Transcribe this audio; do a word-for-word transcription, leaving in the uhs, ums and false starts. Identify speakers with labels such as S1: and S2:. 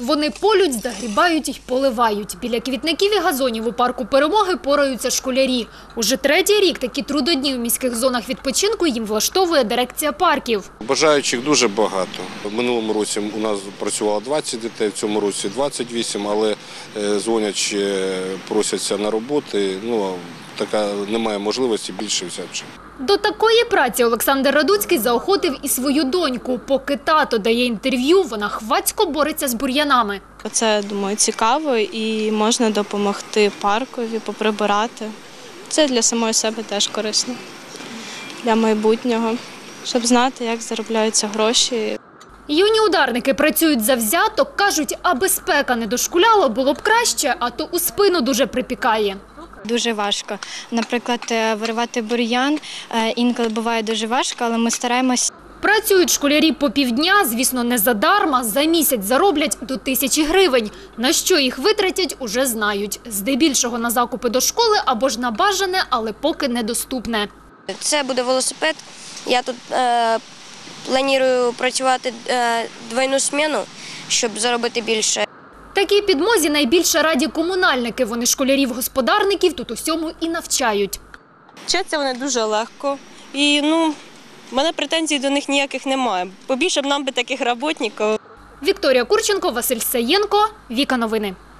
S1: Вони полють, загрібають і поливають. Біля квітників і газонів у парку Перемоги пораються школярі. Уже третій рік такі трудодні у міських зонах відпочинку їм влаштовує дирекція парків.
S2: Бажаючих дуже багато. В минулому році у нас працювало двадцять дітей, в цьому році двадцять вісім, але дзвонять, просяться на роботи. Ну, така немає можливості більше взяти.
S1: До такої праці Олександр Радуцький заохотив і свою доньку. Поки тато дає інтерв'ю, вона хвацько бореться з бур'янами.
S3: Це, думаю, цікаво і можна допомогти паркові, поприбирати. Це для самої себе теж корисно, для майбутнього, щоб знати, як заробляються гроші.
S1: Юні ударники працюють завзято, кажуть, аби спека не дошкуляла, було б краще, а то у спину дуже припікає.
S4: Дуже важко. Наприклад, виривати бур'ян інколи буває дуже важко, але ми стараємось.
S1: Працюють школярі по півдня, звісно, не задарма, за місяць зароблять до тисячі гривень. На що їх витратять, уже знають. Здебільшого на закупи до школи або ж на бажане, але поки недоступне.
S5: Це буде велосипед. Я тут е, планую працювати е, двойну зміну, щоб заробити більше.
S1: Такій підмозі найбільше раді комунальники. Вони школярів-господарників тут усьому і навчають.
S6: Вчаться вони дуже легко. І, ну, в мене претензій до них ніяких немає. Побільше б нам би таких працівників.
S1: Вікторія Курченко, Василь Саєнко, Віка Новини.